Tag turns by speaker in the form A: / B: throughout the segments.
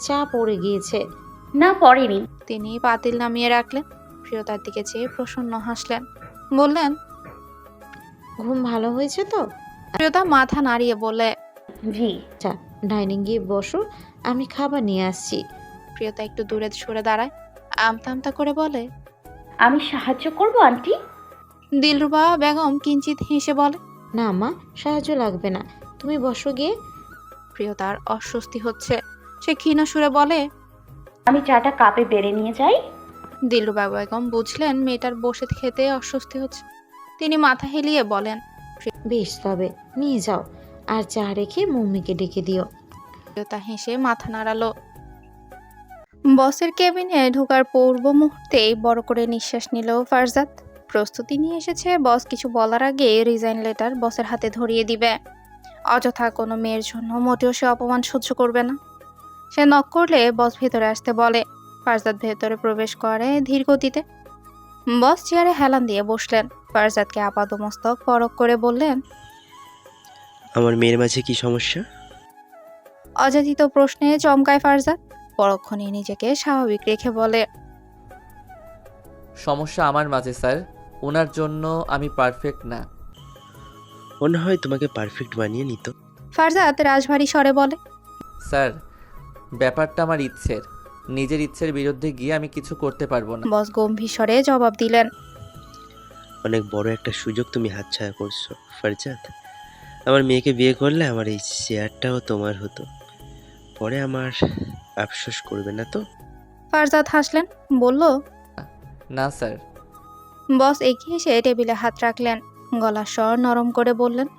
A: চা পড়ে গিয়েছে।
B: না পড়েনি।
C: তিনি পাতিল নামিয়ে রাখলেন। প্রিয়তার দিকে চেয়ে প্রসন্ন হাসলেন, বললেন,
A: ঘুম ভালো হয়েছে তো?
C: প্রিয়তা মাথা নাড়িয়ে বললে,
B: জি।
A: আচ্ছা, ডাইনিং গিয়ে বসো, আমি খাবার নিয়ে আসছি।
C: প্রিয়তা একটু দূরে সরে দাঁড়ায়, আমতা আমতা করে বলে,
B: আমি সাহায্য করব আন্টি।
C: দিলরুবা বেগম কিঞ্চিত হেসে বলে,
A: না মা, সাহায্য লাগবে না, তুমি বসো গিয়ে।
C: প্রিয়তার অস্বস্তি হচ্ছে। সে ক্ষীণ সুরে বলে,
B: আমি চাটা কাপে বেড়ে নিয়ে যাই।
C: দিলরুবা বেগম বুঝলেন মেয়েটার বসে খেতে অস্বস্তি হচ্ছে। তিনি মাথা হেলিয়ে বলেন,
A: বেশ, তবে নিয়ে যাও, আর চা রেখে মম্মিকে ডেকে দিও।
C: প্রিয়তা হেসে মাথা নাড়ালো। বসের কেবিনে ঢোকার পূর্ব মুহূর্তেই বড় করে নিঃশ্বাস নিল ফারজাদ। প্রস্তুতি নিয়ে এসেছে, বস কিছু বলার আগে রিজাইন লেটার বসের হাতে ধরিয়ে দিবে। অযথা কোনো মেয়ের জন্য মোটেও সে অপমান সহ্য করবে না। সে নক করলে বস ভেতরে আসতে বলে। ফারজাদ ভেতরে প্রবেশ করে ধীর গতিতে। বস চেয়ারে হেলান দিয়ে বসলেন। ফারজাদকে আপাদমস্তক পরখ করে বললেন,
D: আমার মেয়ের মাঝে কি সমস্যা?
C: অযাচিত প্রশ্নে চমকায় ফারজাদ। পরক্ষণে নিজেকে স্বাভাবিক রেখে বলে,
E: সমস্যা আমার মাঝে স্যার, ওনার জন্য আমি পারফেক্ট না।
D: মনে হয় তোমাকে পারফেক্ট বানিয়ে নিত।
C: ফারজাদ রাজভারী স্বরে বলে,
E: স্যার, ব্যাপারটা আমার ইচ্ছের, নিজের ইচ্ছের বিরুদ্ধে গিয়ে আমি কিছু করতে পারবো না।
C: বস গম্ভীর স্বরে জবাব দিলেন,
D: অনেক বড় একটা সুযোগ তুমি হাতছাড়া করছো ফারজাদ। আমার মেয়েকে বিয়ে করলে আমার এই চেয়ারটাও তোমার হতো। পরে আমার আফসোস করবে না তো?
C: ফারজাদ হাসলেন, বলল,
E: না স্যার।
C: বস এগিয়ে এসে টেবিলে হাত রাখলেন। গলার স্বর নরম করে বললেন,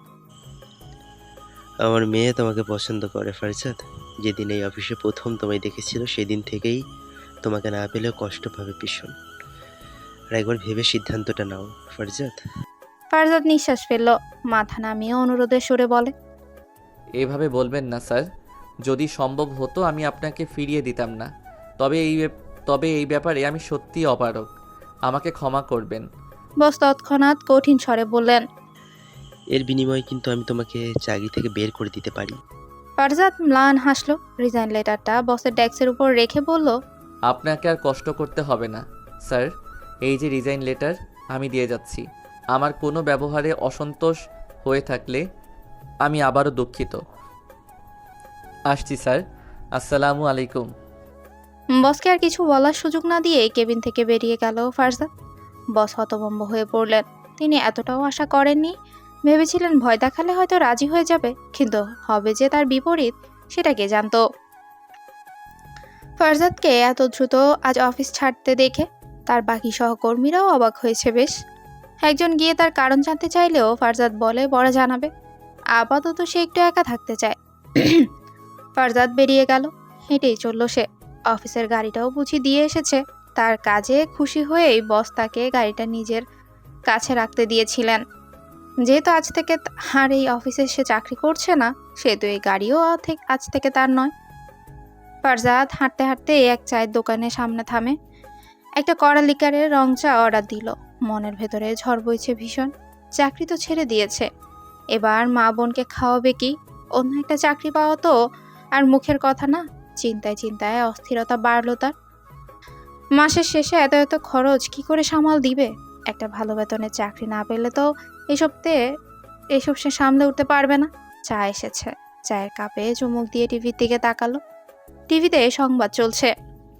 D: আমার মেয়ে তোমাকে পছন্দ করে ফারজাদ। যেদিন এই অফিসে প্রথম তোমায় দেখেছিল সেদিন থেকেই তোমাকে না পেলেও কষ্ট পাবে ভীষণ। আর একবার ভেবে সিদ্ধান্তটা নাও ফারজাদ।
C: ফারজাদ নিঃশ্বাস ফেলল, মাথা নামিয়ে অনুরোধের সুরে বলে,
E: এভাবে বলবেন না স্যার, যদি সম্ভব হতো আমি আপনাকে ফিরিয়ে দিতাম না। তবে এই ব্যাপারে আমি সত্যিই অপারগ, আমাকে ক্ষমা করবেন।
C: বস তৎক্ষণাৎ কঠিন স্বরে বললেন,
D: এর বিনিময়ে কিন্তু আমি তোমাকে চাকরি থেকে বের করে দিতে পারি।
C: ফারজাদ ম্লান হাসলো, রিজাইন লেটারটা বসের ডেস্কের উপর রেখে বলল,
E: আপনাকে আর কষ্ট করতে হবে না স্যার, এই যে রিজাইন লেটার আমি দিয়ে যাচ্ছি। আমার কোনো ব্যবহারে অসন্তোষ হয়ে থাকলে আমি আবারও দুঃখিত। আসছি স্যার, আসসালামু আলাইকুম।
C: বসকে আর কিছু বলার সুযোগ না দিয়ে কেবিন থেকে বেরিয়ে গেল ফারজাদ। বস হতভম্ব হয়ে পড়লেন। তিনি এতটাও আশা করেননি। ভেবেছিলেন ভয় দেখালে হয়তো রাজি হয়ে যাবে, কিন্তু হবে যে তার বিপরীত সেটা কে জানতো। ফারজাদকে এত দ্রুত আজ অফিস ছাড়তে দেখে তার বাকি সহকর্মীরাও অবাক হয়েছে বেশ। একজন গিয়ে তার কারণ জানতে চাইলেও ফারজাদ বলে পরে জানাবে। আপাতত সে একটু একা থাকতে চায়। ফারজাদ বেরিয়ে গেল। হেঁটেই চলল সে। অফিসের গাড়িটাও বুঝি দিয়ে এসেছে। তার কাজে খুশি হয়েই বস তাকে গাড়িটা নিজের কাছে রাখতে দিয়েছিলেন। যেহেতু আজ থেকে আর এই অফিসে সে চাকরি করছে না, সেহেতু এই গাড়িও আজ থেকে তার নয়। ফারজাদ হাঁটতে হাঁটতে এক চায়ের দোকানের সামনে থামে। একটা কড়া লিকারের রং চা অর্ডার দিল। মনের ভেতরে ঝড় বইছে ভীষণ। চাকরি তো ছেড়ে দিয়েছে, এবার মা বোনকে খাওয়াবে কি? অন্য একটা চাকরি পাওয়া তো আর মুখের কথা না। চিন্তায় চিন্তায় অস্থিরতা বাড়ল তার। মাসের শেষে এত এত খরচ কি করে সামাল দিবে? একটা ভালো বেতনের চাকরি না পেলে তো এসব সে সামলে উঠতে পারবে না। চা এসেছে। চায়ের কাপে চুমুক দিয়ে টিভির দিকে তাকালো। টিভিতে সংবাদ চলছে।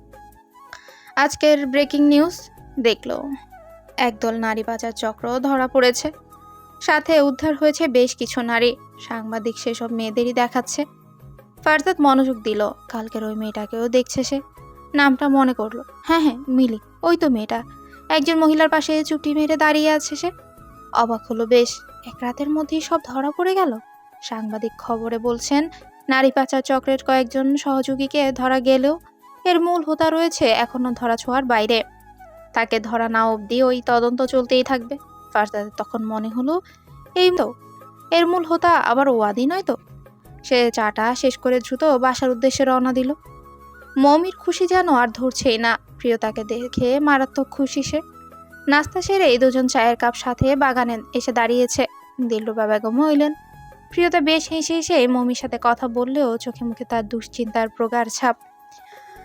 C: আজকের ব্রেকিং নিউজ দেখলো, একদল নারী পাচার চক্র ধরা পড়েছে। সাথে উদ্ধার হয়েছে বেশ কিছু নারী। সাংবাদিক সেসব মেয়েদেরই দেখাচ্ছে। ফারজাদ মনোযোগ দিল। কালকের ওই মেয়েটাকেও দেখছে সে। নামটা মনে করলো। হ্যাঁ হ্যাঁ, মিলি, ওই তো মেয়েটা। একজন মহিলার পাশে চুপটি মেরে দাঁড়িয়ে আছে সে। অবাক হলো বেশ, এক রাতের মধ্যেই সব ধরা পড়ে গেল। সাংবাদিক খবরে বলছেন, নারী পাচার চক্রের কয়েকজন সহযোগীকে ধরা গেলেও এর মূল হোতা রয়েছে এখনো ধরা ছোঁয়ার বাইরে। তাকে ধরা না অবধি ওই তদন্ত চলতেই থাকবে। ফারজাদের তখন মনে হলো, এই তো এর মূল হোতা আবার ওয়াদি নয় তো। সে চাটা শেষ করে দ্রুত বাসার উদ্দেশ্যে রওনা দিল। মমির খুশি যেন আর ধরছেই না। প্রিয়তাকে দেখে মারাত্মক খুশি সে। নাস্তা সেরে এই দুজন চায়ের কাপ সাথে বাগানে এসে দাঁড়িয়েছে। দিলরুবা বেগমও এলেন। প্রিয়তা বেশ হেসে হেসে মমির সাথে কথা বললেও চোখে মুখে তার দুশ্চিন্তার প্রগাঢ় ছাপ।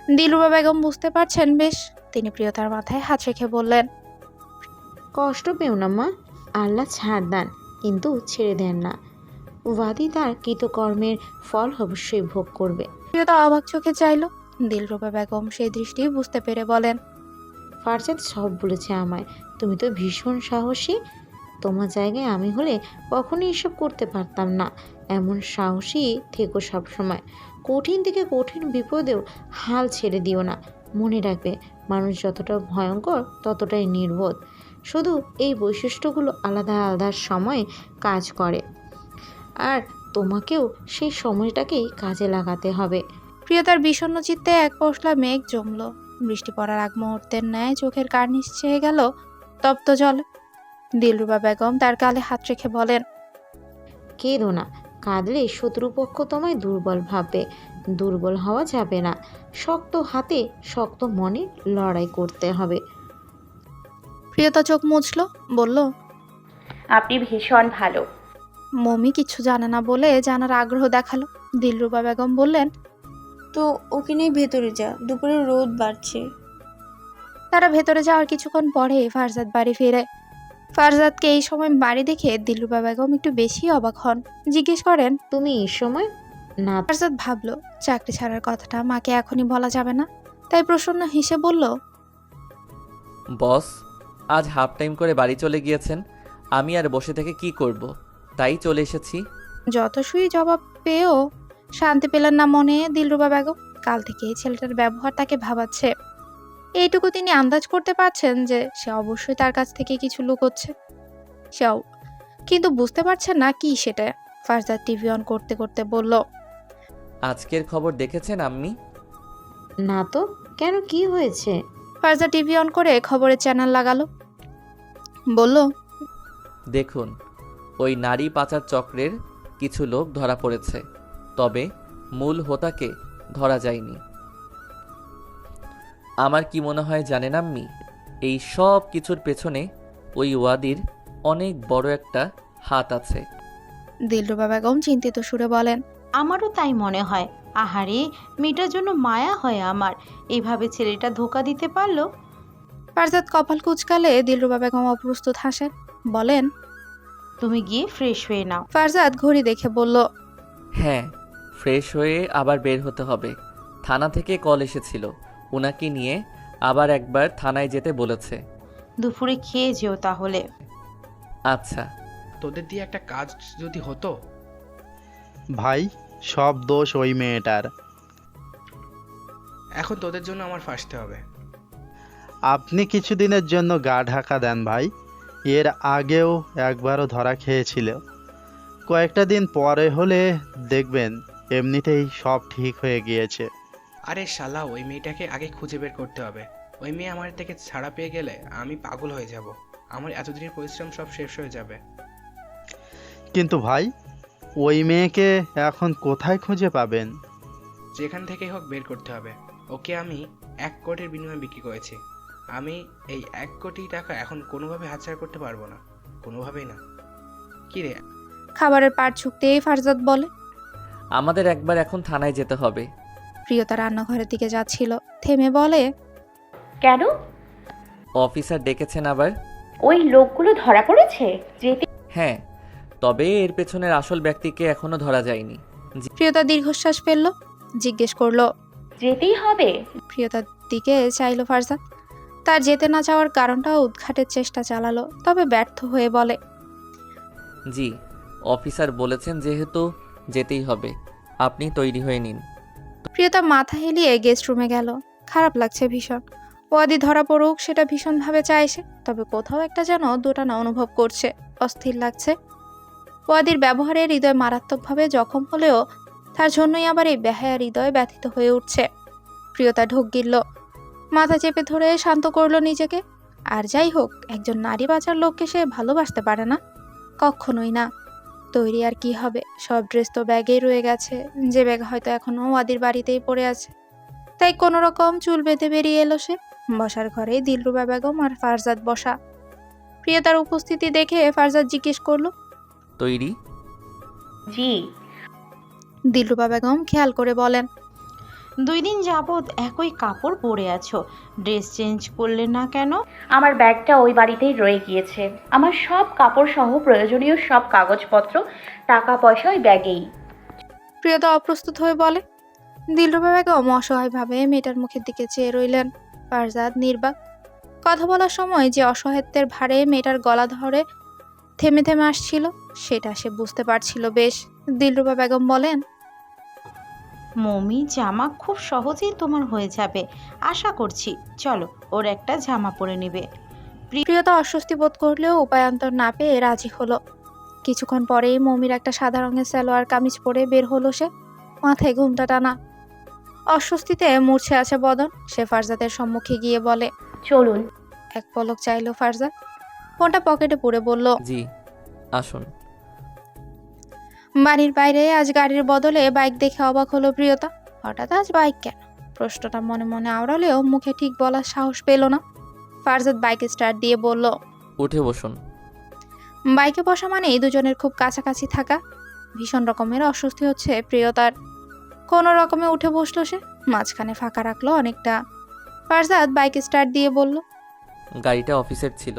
C: দিলরুবা বেগম বুঝতে পারছেন বেশ। তিনি প্রিয়তার মাথায় হাত রেখে বললেন,
A: কষ্ট পেও না মা, আল্লাহ ছাড় দেন কিন্তু ছেড়ে দেন না। ওয়াদি তার কৃতকর্মের ফল অবশ্যই ভোগ করবে।
C: প্রিয়তা অবাক চোখে চাইল। দিলরুবা বেগম সেই দৃষ্টি বুঝতে পেরে বলেন,
A: ফারজাদ সব বলেছে আমায়, তুমি তো ভীষণ সাহসী। তোমার জায়গায় আমি হলে কখনোই এসব করতে পারতাম না। এমন সাহসী থেকো সবসময়। কঠিন থেকে কঠিন বিপদেও হাল ছেড়ে দিও না। মনে রাখবে, মানুষ যতটা ভয়ঙ্কর ততটাই নির্বোধ। শুধু এই বৈশিষ্ট্যগুলো আলাদা আলাদা সময়ে কাজ করে, আর তোমাকেও সেই সময়টাকেই কাজে লাগাতে হবে।
C: প্রিয়তার বিষণ্ণ চিত্তে এক পশলা মেঘ জমল। বৃষ্টি পড়ার আগ মুহূর্তের ন্যায় চোখের কার্নিশ ছেয়ে গেল তপ্ত জলে। দিলরুবা বেগম তার গালে হাত রেখে বলেন,
A: কেঁদো না, কাঁদলে শত্রুপক্ষ তোমায় দুর্বল ভাববে। দুর্বল হওয়া যাবে না। শক্ত হাতে শক্ত মনে লড়াই করতে হবে।
C: প্রিয়তা চোখ মুছল, বলল,
B: আপনি ভীষণ ভালো।
C: মমি কিছু জানে না বলে জানার আগ্রহ দেখালো। দিলরুবা বেগম বললেন,
F: তো ওকে নিয়ে ভেতরে যা, দুপুরে রোদ বাড়ছে।
C: তারা ভেতরে যাওয়ার কিছুক্ষণ পরে ফারজাদ বাড়ি ফিরে। ফারজাদকে এই সময় বাড়ি দেখে দিলরুবা বেগম একটু বেশি অবাক হন। জিজ্ঞেস করেন,
A: তুমি এই সময় না?
C: ফারজাদ ভাবলো চাকরি ছাড়ার কথাটা মাকে এখনই বলা যাবে না, তাই প্রসন্ন হেসে বলল,
E: বস আজ হাফ টাইম করে বাড়ি চলে গিয়েছেন, আমি আর বসে থেকে কি করব, তাই চলে এসেছি।
C: যতসই জবাব পেয়েও শান্তি পেলেন না মনে দিলরুবা বেগম। কাল থেকে এই ছেলেটার ব্যবহার তাকে ভাবাচ্ছে। এইটুকু তিনি আন্দাজ করতে পারছেন যে সে অবশ্যই তার কাছ থেকে কিছু লুকোচ্ছে। সেও কিন্তু বুঝতে পারছেন না কি সেটা। ফারজাদ টিভি অন করতে করতে বলল,
E: আজকের খবর দেখেছেন আম্মি?
A: না তো, কেন, কি হয়েছে?
C: ফারজাদ টিভি অন করে খবরের চ্যানেল লাগালো। বলল,
E: দেখুন, ওই নারী পাচার চক্রের কিছু লোক ধরা পড়েছে, তবে মূল হোতাকে ধরা যায়নি। আমার কি মনে হয় জানেন আম্মি, এই সব কিছুর পেছনে ওই ওয়াদির অনেক বড় একটা হাত আছে।
C: দিলরুবা বেগম চিন্তিত সুরে বলেন,
G: আমারও তাই মনে হয়। আহারে, মেয়েটার জন্য মায়া হয় আমার। এইভাবে ছেলেটা ধোকা দিতে পারলো।
C: ফারজাদ কপাল কুচকালে দিলরুবা বেগম অপ্রস্তুত হাসেন, বলেন,
G: তুমি গিয়ে ফ্রেশ হয়ে নাও।
C: ফারজাদ ঘড়ি দেখে বলল,
E: হ্যাঁ, ফ্রেশ হয়ে আবার বের হতে হবে। থানা থেকে কল এসেছিল, ওনাকে নিয়ে আবার একবার থানায় যেতে বলেছে।
G: দুপুরে খেয়ে যেও তাহলে।
E: আচ্ছা।
H: তোদের দিয়ে একটা কাজ যদি হতো।
I: ভাই, সব দোষ ওই মেয়েটার।
H: এখন তোদের জন্য আমার ফাঁসতে হবে।
I: আপনি কিছুদিনের জন্য গা ঢাকা দেন ভাই। এর আগেও একবারও ধরা খেয়েছিল। কয়েকটা দিন পরে হলে দেখবেন এমনিতেই সব ঠিক হয়ে গিয়েছে।
H: আরে শালা, ওই মেয়েটাকে আগে খুঁজে বের করতে হবে। ওই মেয়ে আমার থেকে ছাড়া পেয়ে গেলে আমি পাগল হয়ে যাব। আমার এতদিনের পরিশ্রম সব শেষ হয়ে যাবে।
I: কিন্তু ভাই, ওই মেয়েকে এখন কোথায় খুঁজে পাবেন?
H: যেখান থেকেই হোক বের করতে হবে। ওকে আমি 1 কোটির বিনিময়ে বিক্রি করেছি। আমি এই 1 কোটি টাকা এখন কোনোভাবে হাতছাড়া করতে পারবো না, কোনোভাবেই না। কি রে?
C: খাবারের পাট ছুকতেই ফারজাদ বলে,
E: আমাদের একবার এখন থানায় যেতে হবে।
C: প্রিয়তা রান্নাঘরের দিকে যাচ্ছিল, থেমে বলে,
B: কেন?
E: অফিসার ডেকেছেন আবার।
B: ওই লোকগুলো ধরা পড়েছে? যেতে
E: হ্যাঁ, তবে এর পেছনের আসল ব্যক্তিকে এখনো ধরা যায়নি।
C: প্রিয়তা দীর্ঘশ্বাস ফেলল, জিজ্ঞেস করলো,
B: যেতেই হবে?
C: প্রিয়তার দিকে চাইল ফারজাদ। তার যেতে না যাওয়ার কারণটাও উদ্ঘাটের চেষ্টা চালালো, তবে ব্যর্থ হয়ে বলে,
E: জি, অফিসার বলেছেন যেহেতু যেতেই হবে, আপনি তৈরি হয়ে নিন।
C: প্রিয়তা মাথা হেলিয়ে গেস্ট রুমে গেল। খারাপ লাগছে ভীষণ। ওয়াদি ধরা পড়ুক সেটা ভীষণভাবে চাইছে, তবে কোথাও একটা যেন দোটানা অনুভব করছে, অস্থির লাগছে। ওয়াদির ব্যবহারে হৃদয় মারাত্মকভাবে জখম হলেও তার জন্যই আবার এই বেহায়া হৃদয় ব্যথিত হয়ে উঠছে। প্রিয়তা ঢোক গিলল, মাথা চেপে ধরে শান্ত করলো নিজেকে। আর যাই হোক, একজন নারী বাঁচার লোককে সে ভালোবাসতে পারে না, কখনোই না। তৈরি আর কি হবে, সব ড্রেস তো ব্যাগেই রয়ে গেছে, যে ব্যাগ হয়তো এখনো ওয়াদির বাড়িতেই পড়ে আছে। তাই কোনো রকম চুল বেঁধে বেরিয়ে এলো সে। বসার ঘরে দিলরুবা বেগম আর ফারজাদ বসা। প্রিয়তার উপস্থিতি দেখে ফারজাদ জিজ্ঞেস করলো,
E: তৈরি?
B: জি।
C: দিলরুবা বেগম খেয়াল করে বলেন,
G: 2 দিন যাবৎ একই কাপড় পরে আছো, ড্রেস চেঞ্জ করলে না কেন?
B: আমার ব্যাগটা ওই বাড়িতেই রয়ে গিয়েছে। আমার সব কাপড় সহ প্রয়োজনীয় সব কাগজপত্র, টাকা পয়সা ওই ব্যাগেই।
C: প্রিয়তা অপ্রস্তুত হয়ে বলে। দিলরুবা বেগম অসহায়ভাবে মেয়েটার মুখের দিকে চেয়ে রইলেন। ফারজাদ নির্বাক। কথা বলার সময় যে অসহায়ত্বের ভারে মেয়েটার গলা ধরে থেমে থেমে আসছিল সেটা সে বুঝতে পারছিল বেশ। দিলরুবা বেগম বলেন,
G: মমি জামা খুব সহজেই তোমার হয়ে যাবে, আশা করছি। চলো, ওর একটা জামা পরে নেবে।
C: প্রিয়তা অস্বস্তি বোধ করলেও উপায়ান্তর না পেয়ে রাজি হলো। কিছুক্ষণ পরেই মমির একটা সাদা রঙের সালোয়ার কামিজ পরে বের হলো সে, মাথায় ঘুমটা টানা। অস্বস্তিতে মূর্ছে আছে বদন। সে ফারজাদের সম্মুখে গিয়ে বলে,
B: চলুন।
C: এক পলক চাইলো ফারজাদ, ফোনটা পকেটে পুরে বলল,
E: জি আসুন।
C: বাড়ির বাইরে আজ গাড়ির বদলে বাইক দেখে অবাক হলো প্রিয়তা। হঠাৎ আজ বাইক কেন? প্রশ্নটা মনে মনে আওড়ালেও মুখে ঠিক বলার সাহস পেল না। ফারজাদ বাইকে স্টার্ট দিয়ে বলল,
E: উঠে বসুন।
C: বাইকে বসা মানেই দুজনের খুব কাছাকাছি থাকা। ভীষণ রকমের অস্বস্তি হচ্ছে প্রিয়তার। কোনো রকমে উঠে বসলো সে, মাঝখানে ফাঁকা রাখলো অনেকটা। ফারজাদ বাইকে স্টার্ট দিয়ে বলল,
E: গাড়িটা অফিসের ছিল,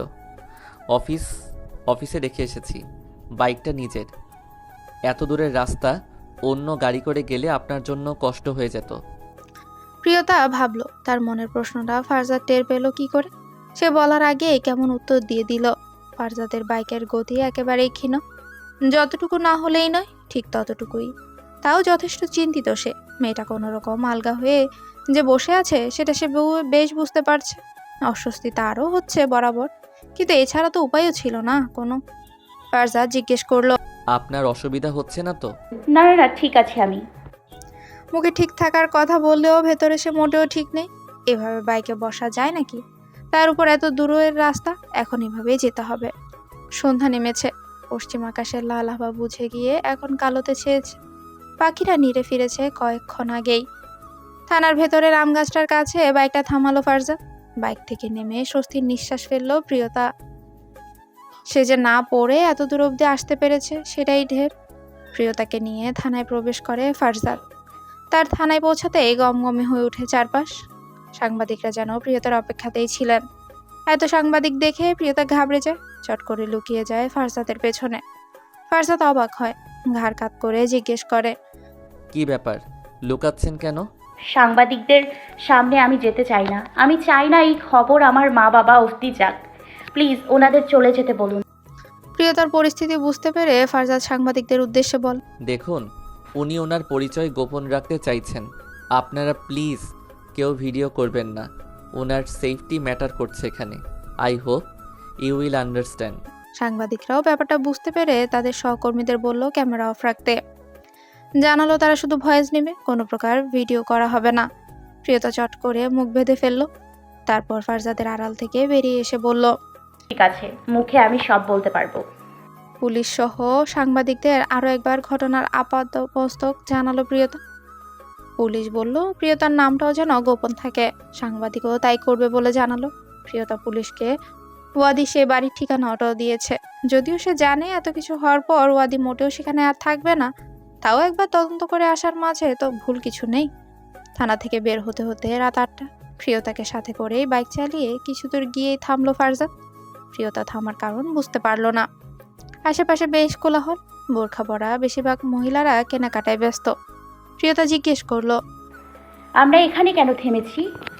E: অফিসে রেখে এসেছি। বাইকটা নিজের। এত দূরের রাস্তা অন্য গাড়ি করে গেলে আপনার জন্য কষ্ট হয়ে যেত।
C: প্রিয়তা ভাবলো তার মনের প্রশ্নটা ফারজাদ টের পেল কি করে। সে বলার আগে কেমন উত্তর দিয়ে দিল। ফারজাদের বাইকের গতি একেবারেই ক্ষীণ, যতটুকু না হলেই নয় ঠিক ততটুকুই। তাও যথেষ্ট চিন্তিত সে। মেয়েটা কোনো রকম আলগা হয়ে যে বসে আছে সেটা সে বেশ বুঝতে পারছে। অস্বস্তি তারও হচ্ছে বরাবর, কিন্তু এছাড়া তো উপায়ও ছিল না কোনো। ফারজাদ জিজ্ঞেস করলো,
E: আপনার অসুবিধা হচ্ছে না তো?
B: না না না, ঠিক আছে আমি।
C: মুখে ঠিক থাকার কথা বললেও ভেতরে সে মোটেও ঠিক নেই। এভাবে বাইকে বসা যায় নাকি? তার উপর এত দূরের রাস্তা, এখন এভাবেই যেতে হবে। সন্ধ্যা নেমেছে, পশ্চিম আকাশের লাল আভা বুঝে গিয়ে এখন কালোতে ছেয়েছে। পাখিরা নিড়ে ফিরেছে কয়েকক্ষণ আগেই। থানার ভেতরের আম গাছটার কাছে বাইকটা থামালো ফারজাদ। বাইক থেকে নেমে স্বস্তির নিঃশ্বাস ফেললো প্রিয়তা। সে যে না পড়ে এত দূর অবধি আসতে পেরেছে সেটাই ঢের। প্রিয়তাকে নিয়ে থানায় প্রবেশ করে ফারজাদ। তার থানায় পৌঁছাতেই গমগমে হয়ে ওঠে চারপাশ। সাংবাদিকরা যেন প্রিয়তার অপেক্ষাতেই ছিলেন। এত সাংবাদিক দেখে প্রিয়তা ঘাবড়ে যায়, চট করে লুকিয়ে যায় ফারজাদের পেছনে। ফারজাদ অবাক হয়, ঘাড় কাত করে জিজ্ঞেস করে,
E: কি ব্যাপার, লুকাচ্ছেন কেন?
B: সাংবাদিকদের সামনে আমি যেতে চাই না। আমি চাই না এই খবর আমার মা বাবা অবধি যাক। প্লিজ ওনাদের চলে যেতে বলুন।
C: প্রিয়তার পরিস্থিতি বুঝতে পেরে ফারজাদ সাংবাদিকদের উদ্দেশ্যে বল,
E: দেখুন, উনি ওনার পরিচয় গোপন রাখতে চাইছেন। আপনারা প্লিজ কেউ ভিডিও করবেন না। ওনার সেফটি ম্যাটার করছে এখানে। I hope you will understand.
C: সাংবাদিকরাও ব্যাপারটা বুঝতে পেরে তাদের সহকর্মীদের বলল ক্যামেরা অফ রাখতে। জানালো তারা শুধু ভয়েস নেবে, কোনো প্রকার ভিডিও করা হবে না। প্রিয়তা চট করে মুখ বেঁধে ফেললো। তারপর ফারজাদের আড়াল থেকে বেরিয়ে এসে বলল,
B: ঠিক আছে, মুখে আমি সব বলতে পারবো।
C: পুলিশ সহ সাংবাদিকদের আরও একবার ঘটনার আপাতমস্তক জানালো প্রিয়তা। পুলিশ বলল প্রিয়তার নামটাও যেন গোপন থাকে। সাংবাদিকও তাই করবে বলে জানালো। প্রিয়তা পুলিশকে ওয়াদি সে বাড়ির ঠিকানাটাও দিয়েছে। যদিও সে জানে এত কিছু হওয়ার পর ওয়াদি মোটেও সেখানে আর থাকবে না, তাও একবার তদন্ত করে আসার মাঝে তো ভুল কিছু নেই। থানা থেকে বের হতে হতে রাত 8টা। প্রিয়তাকে সাথে করেই বাইক চালিয়ে কিছু দূর গিয়েই থামলো ফারজাদ। প্রিয়তা থামার কারণ বুঝতে পারলো না। আশেপাশে বেশ কোলাহল, বোরখা পরা বেশিরভাগ মহিলারা কেনাকাটায় ব্যস্ত। প্রিয়তা জিজ্ঞেস করলো,
B: আমরা এখানে কেন থেমেছি?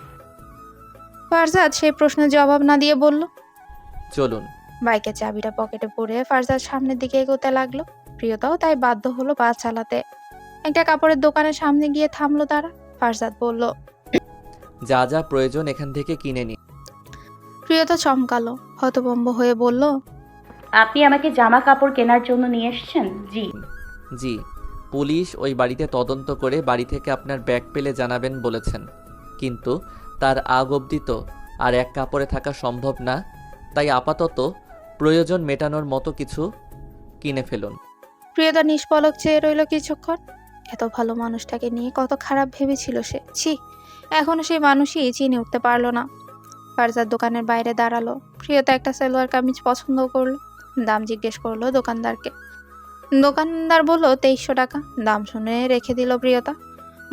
C: ফারজাদ সেই প্রশ্নের জবাব না দিয়ে বলল,
E: চলুন।
C: বাইকের চাবিটা পকেটে পরে ফারজাদ সামনের দিকে এগোতে লাগলো। প্রিয়তাও তাই বাধ্য হলো পা চালাতে। একটা কাপড়ের দোকানের সামনে গিয়ে থামলো তারা। ফারজাদ বলল,
E: যা যা প্রয়োজন এখান থেকে কিনে নিন।
C: প্রিয়তা চমকালো, হতভম্ব হয়ে বলল,
B: আপনি আমাকে জামা কাপড় কেনার জন্য নিয়ে এসেছেন? জি।
E: জি, পুলিশ ওই বাড়িতে তদন্ত করে বাড়ি থেকে আপনার ব্যাগ পেলে জানাবেন বলেছেন, কিন্তু তার আগ অবধি তো আর এক কাপড়ে থাকা সম্ভব না। তাই আপাতত প্রয়োজন মেটানোর মতো কিছু কিনে ফেলুন।
C: প্রিয়তা নিষ্পলক চেয়ে রইল কিছুক্ষণ। এত ভালো মানুষটাকে নিয়ে কত খারাপ ভেবেছিল সে। ছি, এখনো সেই মানুষই চিনে উঠতে পারলো না। ফারজাদ দোকানের বাইরে দাঁড়ালো। প্রিয়তা একটা সালোয়ার কামিজ পছন্দ করলো। দাম জিজ্ঞেস করলো দোকানদারকে। দোকানদার বলল 2300 টাকা। দাম শুনে রেখে দিল প্রিয়তা।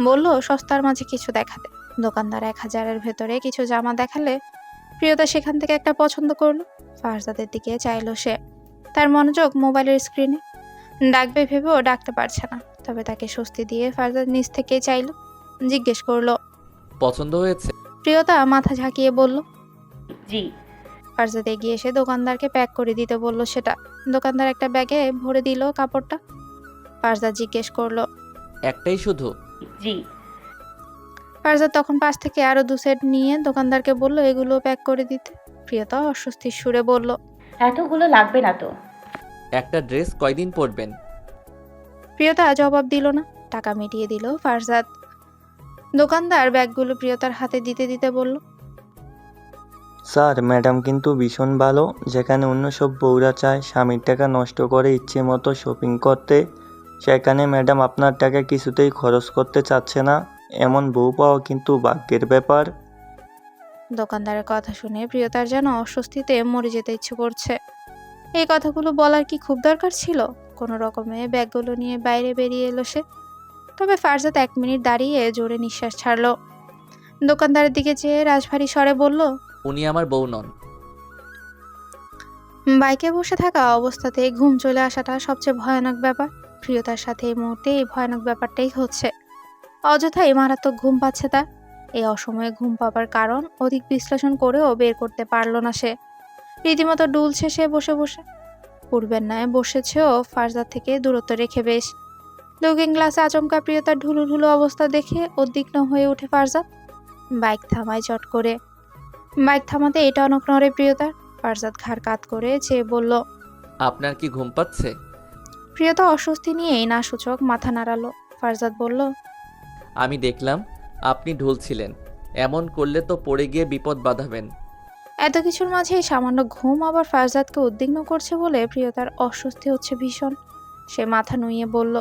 C: বলল সস্তার মাঝে কিছু দেখাতে। দোকানদার 1000-এর ভেতরে কিছু জামা দেখালে প্রিয়তা সেখান থেকে একটা পছন্দ করলো। ফারজাদের দিকে চাইলো সে। তার মনোযোগ মোবাইলের স্ক্রিনে। ডাকবে ভেবেও ডাকতে পারছে না। তবে তাকে স্বস্তি দিয়ে ফারজাদ নিজ থেকেই চাইলো। জিজ্ঞেস করলো,
E: পছন্দ হয়েছে?
C: প্রিয়তা মাথা ঝাঁকিয়ে বলল।
B: জি।
C: ফারজাদ এগিয়ে এসে দোকানদারকে প্যাক করে দিতে বলল সেটা। দোকানদার একটা ব্যাগে ভরে দিল কাপড়টা। ফারজাদ জিজ্ঞেস করলো,
E: একটাই শুধু?
B: জি।
C: ফারজাদ তখন পাশ থেকে আরো 2 সেট নিয়ে দোকানদারকে বলল এগুলো প্যাক করে দিতে। প্রিয়তা অস্বস্তির সুরে বলল,
B: এতগুলো লাগবে না তো।
E: একটা ড্রেস কয়দিন পরবেন?
C: প্রিয়তা জবাব দিল না। টাকা মিটিয়ে দিল ফারজাদ। দোকানদার ব্যাগগুলো প্রিয়তার হাতে দিতে দিতে বলল,
J: স্যার, ম্যাডাম কিন্তু ভীষণ ভালো। যেখানে অন্য সব বউরা চায় স্বামীর টাকা নষ্ট করে ইচ্ছে মতো শপিং করতে, সেখানে ম্যাডাম আপনার টাকা কিছুতেই খরচ করতে চাচ্ছে না। এমন বউ পাওয়া কিন্তু ভাগ্যের ব্যাপার।
C: দোকানদারের কথা শুনে প্রিয়তার যেন অস্বস্তিতে মরে যেতে ইচ্ছে করছে। এই কথাগুলো বলার কি খুব দরকার ছিল? কোনো রকমে ব্যাগগুলো নিয়ে বাইরে বেরিয়ে এলো সে। তবে ফারজাদ 1 মিনিট দাঁড়িয়ে জোরে নিঃশ্বাস ছাড়লো। দোকানদারের দিকে চেয়ে রাজভারী স্বরে বলল,
E: উনি আমার বউ নন।
C: বাইকে বসে থাকা অবস্থাতে ঘুম চলে আসাটা সবচেয়ে ভয়ানক ব্যাপার। প্রিয়তার সাথে এই মুহূর্তে এই ভয়ানক ব্যাপারটাই হচ্ছে। অযথাই মারাত্মক ঘুম পাচ্ছে তার। এই অসময়ে ঘুম পাবার কারণ অধিক বিশ্লেষণ করেও বের করতে পারল না সে। রীতিমতো ডুলছে সে বসে বসে। পূর্বের ন্যায় বসেছেও ফারজাদ থেকে দূরত্ব রেখে বেশ। লুকিং গ্লাসে আচমকা প্রিয়তার ঢুলু ঢুলু অবস্থা দেখে উদ্বিগ্ন হয়ে ওঠে ফারজাদ। বাইক থামায় চট করে। বাইক থামাতে এটা অনক নড়ে প্রিয়তার। ফারজাদ ঘাড় কাত করে চেয়ে বলল,
E: আপনার কি ঘুম পাচ্ছে?
C: প্রিয়তা অস্বস্তি নিয়েই না সূচক মাথা নাড়ালো। ফারজাদ বলল,
E: আমি দেখলাম আপনি ঢুলছিলেন। এমন করলে তো পড়ে গিয়ে বিপদ বাঁধাবেন।
C: এত কিছুর মাঝে এই সামান্য ঘুম আবার ফারজাদকে উদ্বিগ্ন করছে বলে প্রিয়তার অস্বস্তি হচ্ছে ভীষণ। সে মাথা নুইয়ে বলল,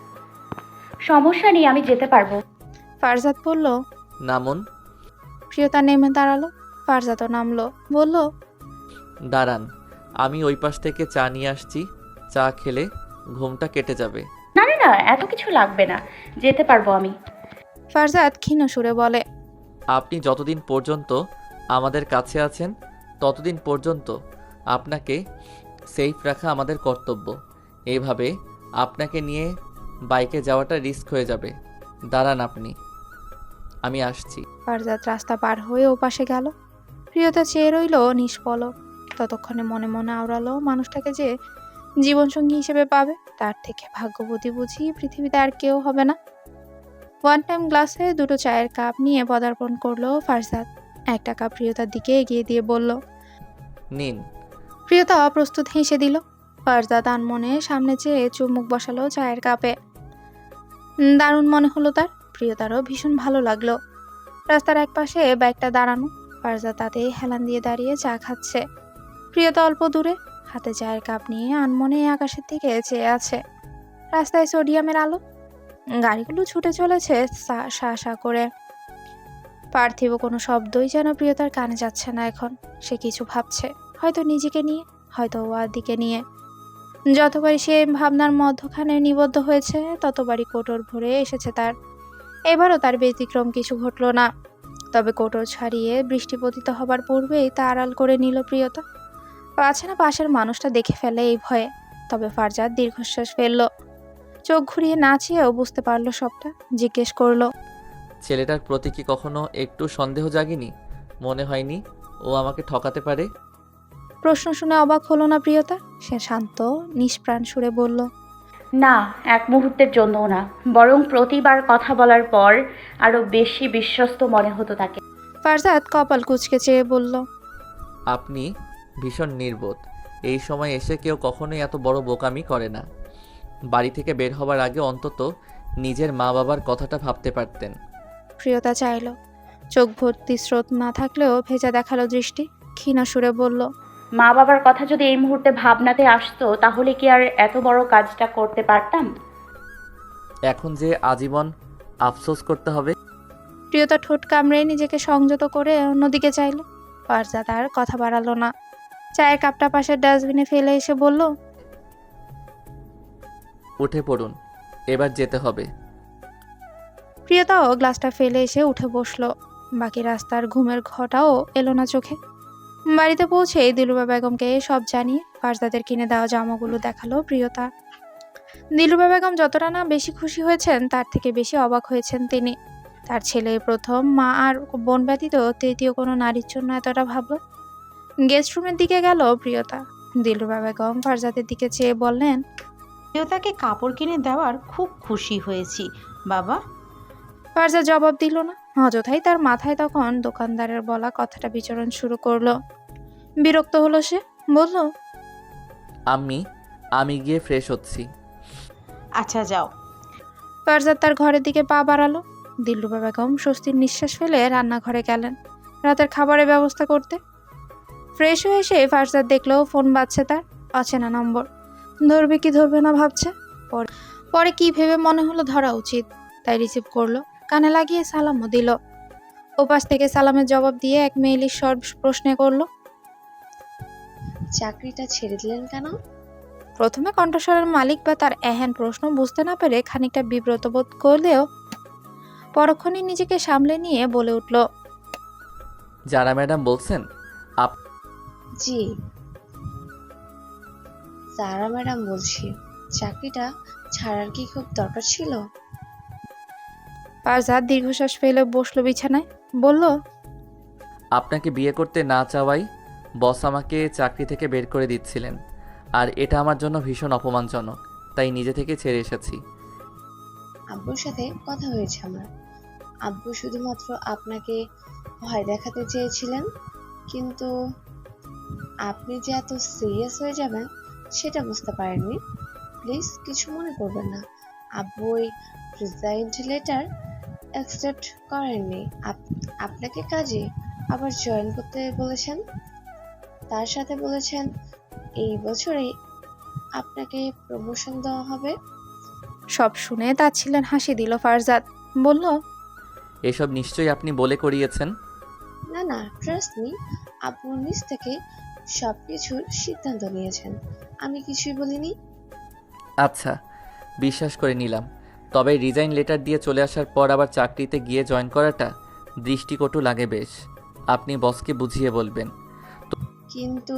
B: সমস্যা নেই, আমি যেতে পারবো।
C: ফারজাদ বলল।
E: নামুন।
C: প্রিয়তা নেমে দাঁড়ালো। ফারজাদও নামলো। বলল,
E: দাঁড়ান, আমি ওই পাশ থেকে চা নিয়ে আসছি। চা খেলে ঘুমটা কেটে যাবে।
B: না না না, এত কিছু লাগবে না, যেতে পারবো আমি।
C: ফারজাদ ক্ষীণ সুরে বলে,
E: আপনি যতদিন পর্যন্ত আমাদের কাছে আছেন ততদিন পর্যন্ত আপনাকে সেফ রাখা আমাদের কর্তব্য। এইভাবে আপনাকে নিয়ে বাইকে যাওয়াটা রিস্ক হয়ে যাবে। দাঁড়ান আপনি, আমি আসছি।
C: ফারজাদ রাস্তা পার হয়ে ওপাশে গেল। প্রিয়তা চেয়ে রইল নিষ্পলক। ততক্ষণে মনে মনে আওড়ালো মানুষটাকে যে জীবনসঙ্গী হিসেবে পাবে তার থেকে ভাগ্যবতী বুঝি পৃথিবীতে আর কেউ হবে না। 1 টাইম গ্লাসে 2টো চায়ের কাপ নিয়ে পদার্পণ করলো ফারজাদ। একটা কাপ প্রিয়তার দিকে এগিয়ে দিয়ে বলল,
E: নিন।
C: প্রিয়তা অপ্রস্তুত হেসে দিল। ফারজাদ আনমনে সামনে চেয়ে চুমুক বসালো চায়ের কাপে। দারুণ মনে হলো তার। প্রিয়তারও ভীষণ ভালো লাগলো। রাস্তার একপাশে বাইকটা দাঁড়ানো। ফারজাদ তাতেই হেলান দিয়ে দাঁড়িয়ে চা খাচ্ছে। প্রিয়তা অল্প দূরে হাতে চায়ের কাপ নিয়ে আনমনে আকাশের দিকে চেয়ে আছে। রাস্তায় সোডিয়ামের আলো। গাড়িগুলো ছুটে চলেছে সা সা করে। পার্থিব কোনো শব্দই যেন প্রিয়তার কানে যাচ্ছে না এখন। সে কিছু ভাবছে, হয়তো নিজেকে নিয়ে, হয়তো ওয়ার দিকে নিয়ে। যতবারই সে ভাবনার মধ্যখানে নিবদ্ধ হয়েছে ততবারই কোটর ভরে এসেছে তার। এবারও তার ব্যতিক্রম কিছু ঘটল না। তবে কোটর ছাড়িয়ে বৃষ্টি পতিত হবার পূর্বেই তা আড়াল করে নিল প্রিয়তা। পাছে না পাশের মানুষটা দেখে ফেলে এই ভয়ে। তবে ফারজাদ দীর্ঘশ্বাস ফেলল। চোখ ঘুরিয়ে না চেয়েও বুঝতে পারলো সবটা। জিজ্ঞেস করলো,
E: ছেলেটার প্রতি কি কখনো একটু সন্দেহ জাগেনি? মনে হয়নি ও আমাকে ঠকাতে পারে?
C: প্রশ্ন শুনে অবাক হলো না প্রিয়তা। সে শান্ত নিষ্প্রাণ সুরে বলল,
B: না, এক মুহূর্তের জন্যও না। বরং প্রতিবার কথা বলার পর আরো বেশি বিশ্বস্ত মনে হতো তাকে।
C: ফারজাদ কপাল কুঁচকে চেয়ে বলল,
E: আপনি ভীষণ নির্বোধ। এই সময় এসে কেউ কখনোই এত বড় বোকামি করে না। বাড়ি থেকে বের হবার আগে অন্তত নিজের মা বাবার কথাটা ভাবতে পারতেন।
C: প্রিয়তা চাইল। চোখ ভর্তি স্রোত না থাকলেও ভেজা দেখালো দৃষ্টি। ক্ষীণ সুরে বলল,
B: মা বাবার কথা যদি এই মুহূর্তে ভাবনাতে আসতো তাহলে কি আর এত বড় কাজটা করতে পারতাম?
E: এখন যে আজীবন আফসোস করতে হবে।
C: প্রিয়তা ঠোঁট কামড়ে নিজেকে সংযত করে অন্যদিকে চাইল। ফারজাদ আর কথা বাড়ালো না। চায়ের কাপটা পাশের ডাস্টবিনে ফেলে এসে বলল,
E: উঠে পড়ুন, এবার যেতে হবে।
C: প্রিয়তাও গ্লাসটা ফেলে এসে উঠে বসলো। বাকি রাস্তার ঘুমের ঘটাও এলো না চোখে। বাড়িতে পৌঁছে দিলরুবা বেগমকে সব জানিয়ে ফারজাদের কিনে দেওয়া জামাগুলো দেখালো প্রিয়তা। দিলরুবা বেগম যতটা না বেশি খুশি হয়েছেন তার থেকে বেশি অবাক হয়েছেন তিনি। তার ছেলে প্রথম, মা আর বোন ব্যতীত তৃতীয় কোনো নারীর জন্য এতটা ভাবল। গেস্ট রুমের দিকে গেল প্রিয়তা। দিলরুবা বেগম ফারজাদের দিকে চেয়ে বললেন,
G: প্রিয়তাকে কাপড় কিনে দেওয়ার খুব খুশি হয়েছি বাবা।
C: ফারজাদ জবাব দিল না। অযথাই তার মাথায় তখন দোকানদারের বলা কথাটা বিচরণ শুরু করলো। বিরক্ত হলো সে, বলল,
E: আমি গিয়ে ফ্রেশ হচ্ছি।
G: আচ্ছা যাও।
C: ফারজাদ তার ঘরের দিকে পা বাড়ালো। দিলরুবা বেগম স্বস্তির নিঃশ্বাস ফেলে রান্নাঘরে গেলেন রাতের খাবারের ব্যবস্থা করতে। ফ্রেশ হয়ে এসে ফারজাদ দেখলো ফোন বাজছে তার। অচেনা নম্বর। ধরবে কি ধরবে না ভাবছে। পরে কি ভেবে মনে হলো ধরা উচিত, তাই রিসিভ করলো। কানে লাগিয়ে সালামও দিল। ওপাশ থেকে সালামের জবাব দিয়ে এক মেয়েলি স্বর প্রশ্নে করলো,
A: চাকরিটা ছেড়ে দিলেন কেন?
C: প্রথমে কণ্ঠস্বরের মালিক বা তার এহেন প্রশ্ন বুঝতে না পেরে খানিকটা বিব্রত বোধ করলেও পরক্ষণে নিজেকে সামলে নিয়ে বলে উঠল,
E: যারা ম্যাডাম বলছেন?
A: জি সারা ম্যাডাম বলছি। চাকরিটা ছাড়ার কি খুব দরকার ছিল?
C: ফারজাদ দীর্ঘশ্বাস ফেলে বসলো বিছানায়। বলল,
E: আপনাকে বিয়ে করতে না চাওয়াই বস আমাকে চাকরি থেকে বের করে দিচ্ছিলেন, আর এটা আমার জন্য ভীষণ অপমানজনক, তাই নিজে থেকে ছেড়ে এসেছি।
A: আব্বুর সাথে কথা হয়েছে আমার। আব্বু শুধুমাত্র আপনাকে ভয় দেখাতে চেয়েছিলেন, কিন্তু আপনি যে এত সিরিয়াস হয়ে যাবেন সেটা বুঝতে পারেননি। প্লিজ কিছু মনে করবেন না। আব্বু ওই রিজাইন লেটার অ্যাকসেপ্ট করেননি। আপনাকে কাজে আবার জয়েন করতে বলেছেন। তার সাথে বলেছেন এই বছরেই আপনাকে প্রমোশন দেওয়া হবে।
C: সব শুনে তাচ্ছিলেন হাসি দিল ফারজাদ। বলল,
E: এসব নিশ্চয়ই আপনি বলে করিয়েছেন।
A: না না, ট্রাস্ট মি, আব্বু নিজ থেকে সবকিছুর সিদ্ধান্ত নিয়েছেন। আমি কিছুই বলিনি।
E: আচ্ছা, বিশ্বাস করে নিলাম। তবে রিজাইন লেটার দিয়ে চলে আসার পর আবার চাকরিতে গিয়ে জয়েন করাটা দৃষ্টিকটু লাগে বেশ। আপনি বসকে বুঝিয়ে বলবেন।
A: কিন্তু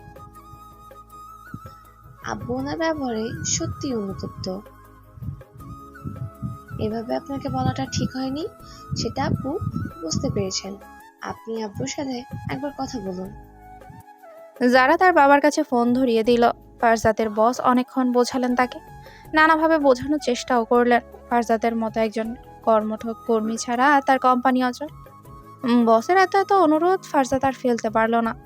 A: আব্বু ওনার ব্যবহারে সত্যি অনুতপ্ত। এভাবে আপনাকে বলাটা ঠিক হয়নি, সেটা আব্বু বুঝতে পেরেছেন। আপনি আব্বুর সাথে একবার কথা বলুন।
C: যারা তার বাবার কাছে ফোন ধরিয়ে দিল। ফারজাদের বস অনেকক্ষণ বোঝালেন তাকে, নানাভাবে বোঝানোর চেষ্টাও করলেন। ফারজাদের মতো একজন কর্মঠ কর্মী ছাড়া তার কোম্পানি অচল। বসের এত এত অনুরোধ ফারজাদ আর ফেলতে পারল না।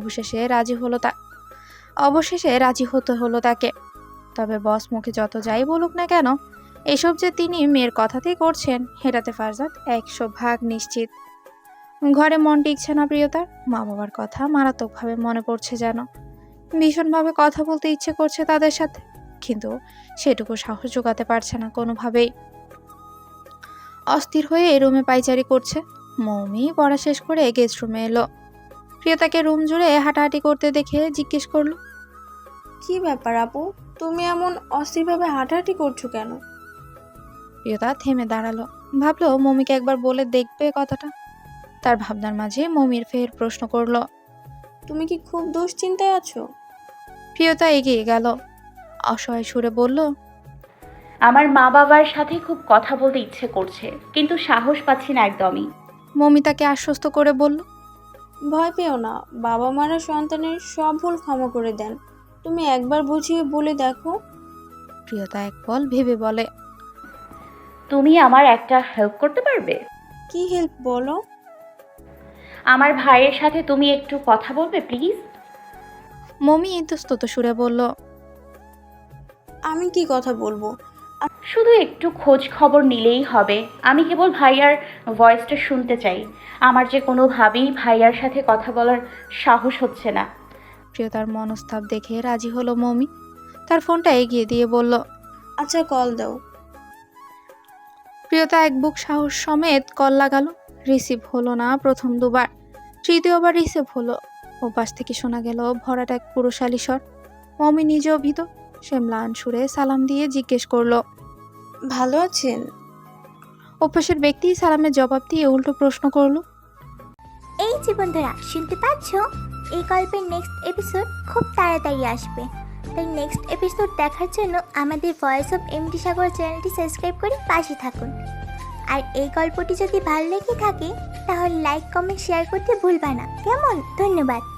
C: অবশেষে রাজি হতে হলো তাকে। তবে বস মুখে যত যাই বলুক না কেন, এসব যে তিনি মেয়ের কথাতেই করছেন এটাতে ফারজাদ 100% নিশ্চিত। ঘরে মন টিকছে না প্রিয়তার। মা বাবার কথা মারাত্মকভাবে মনে পড়ছে যেন। ভীষণভাবে কথা বলতে ইচ্ছে করছে তাদের সাথে, কিন্তু সেটুকু সাহস জোগাতে পারছে না কোনোভাবেই। অস্থির হয়ে রুমে পাইচারি করছে। মৌমি পড়া শেষ করে গেস্ট রুমে এলো। প্রিয়তাকে রুম জুড়ে হাঁটাহাঁটি করতে দেখে জিজ্ঞেস করলো,
F: কি ব্যাপার আপু, তুমি এমন অস্থিরভাবে হাঁটাহাঁটি করছো কেন?
C: প্রিয়তা থেমে দাঁড়ালো। ভাবলো মৌমিকে একবার বলে দেখবে কথাটা। তার ভাবনার মাঝে মৌমির ফের প্রশ্ন করলো,
F: তুমি কি খুব দুশ্চিন্তায় আছো?
C: প্রিয়তা এগিয়ে গেল, অসহায় সুরে বলল,
B: আমার মা বাবার সাথে খুব কথা বলতে ইচ্ছে করছে, কিন্তু সাহস পাচ্ছি না একদমই।
C: মৌমি তাকে আশ্বস্ত করে বলল,
F: ভয় পেও না, বাবা মারা সন্তানের সব ভুল ক্ষমা করে দেন। তুমি একবার বুঝিয়ে বলে দেখো।
C: প্রিয়তা এক পল ভেবে বলে,
B: তুমি আমার একটা হেল্প করতে পারবে?
F: কি হেল্প বলো?
B: আমার ভাইয়ের সাথে তুমি একটু কথা বলবে প্লিজ?
C: মৌমি ইতস্তত সুরে বলল,
F: আমি কি কথা বলবো?
B: শুধু একটু খোঁজ খবর নিলেই হবে। আমি কেবল ভাইয়ার ভয়েসটা শুনতে চাই। আমার যে কোনোভাবেই ভাইয়ার সাথে কথা বলার সাহস হচ্ছে না।
C: প্রিয়তার মনস্তাপ দেখে রাজি হলো মৌমি। তার ফোনটা এগিয়ে দিয়ে বলল,
F: আচ্ছা কল দাও।
C: প্রিয়তা এক বুক সাহস সমেত কল লাগালো। রিসিভ হলো না প্রথম দুবার, তৃতীয়বার রিসিভ হলো। ওপাশ থেকে শোনা গেল ভরাট এক পুরুষালী স্বর। মৌমি নিজেও ভীত। সে ম্লান সুরে সালাম দিয়ে জিজ্ঞেস করলো,
F: ভালো আছেন?
C: অভ্যাসের ব্যক্তি সালামের জবাব দিয়ে উল্টো প্রশ্ন করলো।
K: এই যে বন্ধুরা, শুনতে পাচ্ছ? এই গল্পের নেক্সট এপিসোড খুব তাড়াতাড়ি আসবে, তাই নেক্সট এপিসোড দেখার জন্য আমাদের ভয়েস অফ এমডি সাগর চ্যানেলটি সাবস্ক্রাইব করে পাশে থাকুন। আর এই গল্পটি যদি ভালো লেগে থাকে তাহলে লাইক কমেন্ট শেয়ার করতে ভুলবা না, কেমন? ধন্যবাদ।